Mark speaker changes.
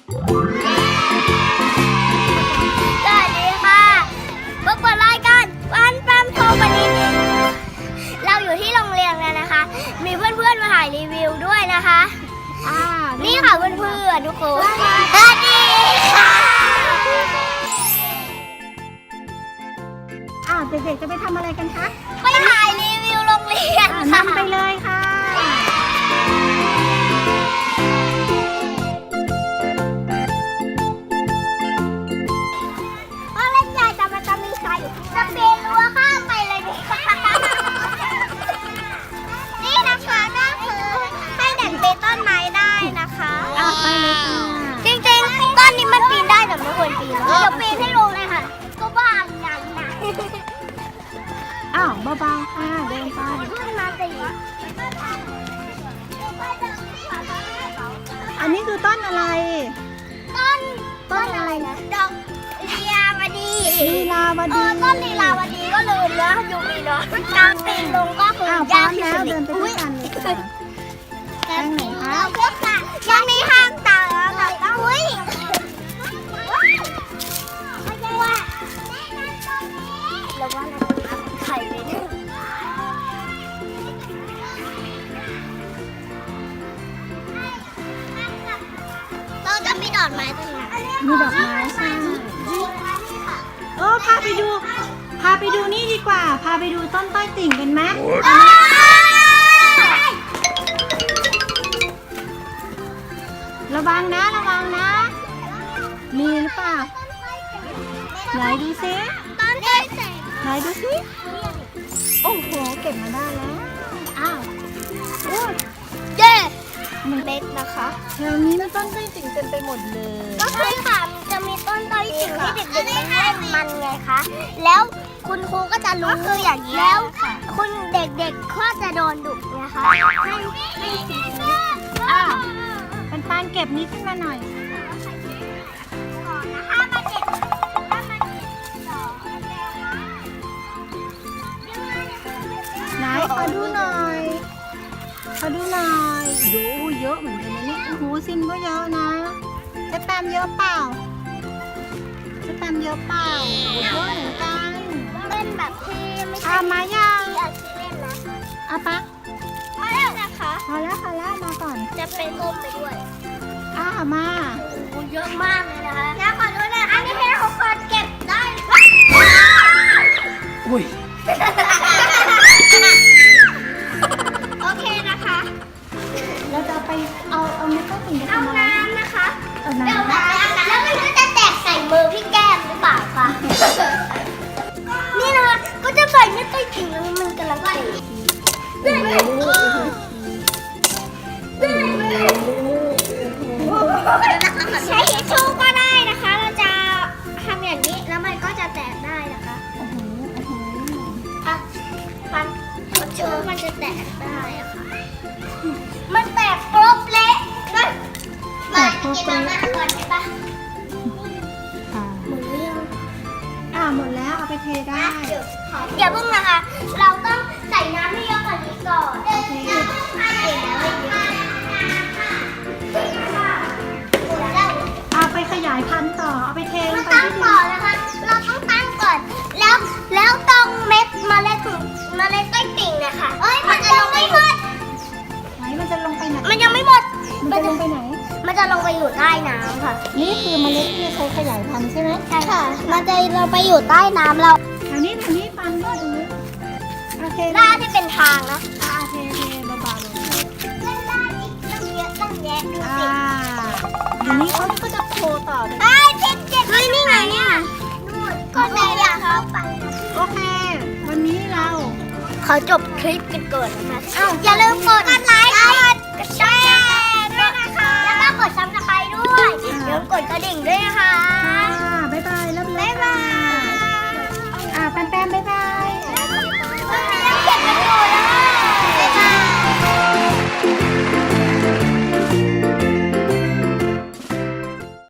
Speaker 1: สวัสดีค่ะพบกับรายการวันแปมโทรวันนี้เราอยู่ที่โรงเรียนแล้วนะคะ มีเพื่อนๆมาถ่ายรีวิวด้วยนะคะนี่ค่ะเพื่อนๆทุกคนสวัสดีค่ะ
Speaker 2: เด็กๆจะไปทำอะไรกันคะ
Speaker 1: ไปถ่ายรีวิวโรงเรียนค่ะ
Speaker 2: นำไปเลยค่ะ
Speaker 1: ว่าเล่นใหญ่แต่มันจะมีใครอยู่จะปีนรั้วข้ามไปเลยดินี่นะคะก็คือให้เด็กปีนต้นไม้ได้นะคะ
Speaker 2: ไปเลยค่ะ
Speaker 1: จริงๆต้นนี้มันปีนได้แต่ไม่ควรปีนเดี๋ยวปีนให้ลงเลยค่ะก็บ้าอย่างนั้น
Speaker 2: เบาๆค่ะเดินไป
Speaker 1: ขึ้นมาสิ
Speaker 2: อันนี้คือต้นอะไร
Speaker 1: ต้นอะไรนะดอกลีลาวดี
Speaker 2: ลีลาวดี
Speaker 1: ต้นลีลาวดีก็ลืมแล้วยูมีเนาะการปีนลงก็คือยากที่
Speaker 2: แล้ว
Speaker 1: สุด
Speaker 2: เดินไปด้วยกันเลยค่ะแป้งไหนคะ
Speaker 1: ยังมีห้างต่างแล้วค่ะอุ้ยแล้วว่าเราไข่เลยเนี่ยเราจะมีดอกไม้ตรงไหน
Speaker 2: มีดอกไม้ใช่พาไปดูนี่ดีกว่า พาไปดูต้นต้อยติ่งกันไหมระวังนะ มีหรือเปล่า ไหนดูซิ
Speaker 1: ต้นได้ใส่
Speaker 2: ไหนดูซิโอ้โห เก็บมาได้แล้ว
Speaker 1: เย้เม็ดนะคะ
Speaker 2: แถวนี้มันต้นต้อยติ่งเต็มไปหมดเลย
Speaker 1: ก็คือค่ะมันจะมีต้นต้อยสิ่งที่เด็กๆมันเล่นมันไงคะ แล้วคุณครูก็จะรู้คืออย่างนี้แล้วคุณเด็กๆก็จะโดนดุนะคะให้
Speaker 2: ปันเก็บนี้ขึ้นมาหน่อย
Speaker 1: ก่อนนะคะมาเด็ดถ้ามันต่อ
Speaker 2: ไหนขอดูหน่อยดูเยอะเหมือนกันนะเนี่ยโอ้โหซิมก็เยอะนะจะแปมเยอะเปล่าโอ้โหเยอะเหมือนกัน
Speaker 1: เล่นแบบที่ไม่ใช่
Speaker 2: มายัง
Speaker 1: อยากเล่นนะ
Speaker 2: ปะ
Speaker 1: พอแล้วนะคะ
Speaker 2: พอแล้วมาก่อน
Speaker 1: จะเป็นต้มไปด้วย
Speaker 2: มา
Speaker 1: โอ้เยอะมากเลยนะคะแล้วขอดูหน่อยอันนี้ให้ทุกคนเก็บได้
Speaker 2: อุ้ย
Speaker 1: โอเคนะคะ
Speaker 2: เราจะไปเอาเม็ดต้นติ่งไป
Speaker 1: เอา
Speaker 2: ทำอะไร
Speaker 1: น้ำนะคะ
Speaker 2: เอา
Speaker 1: เดี๋ยว
Speaker 2: น้ำ
Speaker 1: แล้วมันก็จะแตกใส่มือพี่แก้มหรือเปล่าคะนี่นะคะก็จะใส่ไม่ต้อยถึงแล้วมันกำลังใส่ใช้ทิชชู่ก็ได้นะคะ เราจะทำอย่างนี้แล้วมันก็จะแตกได้นะคะฟันเชื้อมันจะแตกได้อะค่ะมันแตกครบเละมากินมาม่าก่อนได้ปะหมดหรือยัง
Speaker 2: หมดแล้วเอาไปเทได้
Speaker 1: อย่าเพิ่งนะคะ เราต้องใส่น้ำให้เยอะกว่านี้ก่อนเสร็จแล้ว
Speaker 2: ไปขยายพันธุ์ต่อเอาไปเทล
Speaker 1: มาง
Speaker 2: ไป
Speaker 1: ตั้ง
Speaker 2: ที่ดิ
Speaker 1: ก่อนนะคะ เราต้องตั้งก่อน แล้วตรงเม็ดเมล็ดต้อยติ่งเนี่ยค่ะมันจะลงไม่หมด
Speaker 2: ไหนมันจะลงไปไหน
Speaker 1: มันยังไม่หมด
Speaker 2: มันจะลงไปไหน
Speaker 1: มันจะลงไปอยู่ใต้น้ำค่ะ
Speaker 2: นี่คือเมล็ดที่ใช้ขยายพันธุ์ใช่ไหม
Speaker 1: ใช่ค่ะ มันจะลงไปอยู่ใต้น้ำเรา
Speaker 2: อันนี้ปันด้วยตรงนี้โอเค
Speaker 1: หน้าที่เป็นทางนะ
Speaker 2: เทเบาๆเลย
Speaker 1: เล่นได้อีกตั้งเยอะตั้งแยะดูสิ
Speaker 2: ทีนี้เขาก็จะโทรต่อเลย
Speaker 1: ไอ้เจ็ดเฮ้ยนี่ไงเนี่ยนู่นก็ได้อยากเข้าไป
Speaker 2: โอเค วันนี้เรา
Speaker 1: ขอจบคลิปกันก่อนนะคะอย่าลืมกดไลค์กดแชร์ด้วยนะคะ แล้วก็กดซับสไครต์ด้วยอย่าลืมกดกระดิ่งด้วยนะคะ